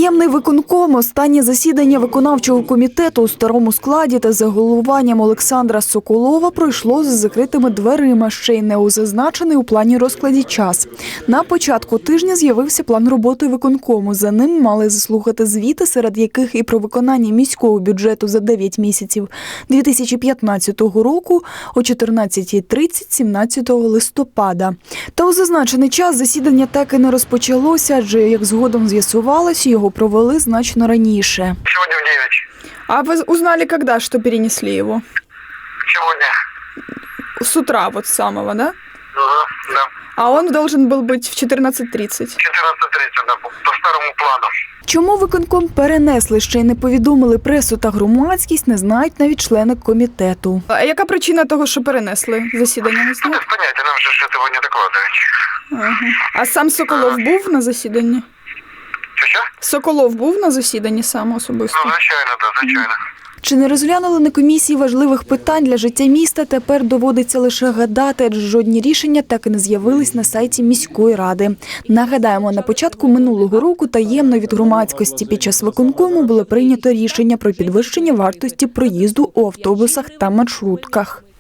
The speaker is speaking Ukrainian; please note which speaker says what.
Speaker 1: Таємний виконком. Останнє засідання виконавчого комітету у старому складі та за головуванням Олександра Соколова пройшло з закритими дверима, ще й не у зазначений у плані розкладі час. На початку тижня з'явився план роботи виконкому. За ним мали заслухати звіти, серед яких і про виконання міського бюджету за 9 місяців 2015 року о 14:30 17 листопада. Та у зазначений час засідання так і не розпочалося, адже, як згодом з'ясувалось, його провели значно раніше.
Speaker 2: Сегодня в 9.
Speaker 3: А вы узнали, когда, что перенесли его?
Speaker 2: Сегодня.
Speaker 3: С утра вот с самого, да?
Speaker 2: Да.
Speaker 3: А он должен был быть в 14:30.
Speaker 2: 14:30, да, по старому плану.
Speaker 1: Чому виконком перенесли, ще й не повідомили пресу та громадськість, не знають навіть члени комітету.
Speaker 3: А яка причина того, що перенесли засідання? Не знаю.
Speaker 2: Без понятия, нам же ж этого не докладывают.
Speaker 3: Ага. А сам Соколов був на засіданні?
Speaker 2: Що?
Speaker 3: Соколов був на засіданні сам особисто?
Speaker 2: Ну, звичайно, да, звичайно.
Speaker 1: Чи не розглянули на комісії важливих питань для життя міста, тепер доводиться лише гадати, адже жодні рішення так і не з'явились на сайті міської ради. Нагадаємо, на початку минулого року таємно від громадськості під час виконкому було прийнято рішення про підвищення вартості проїзду у автобусах та маршрутках.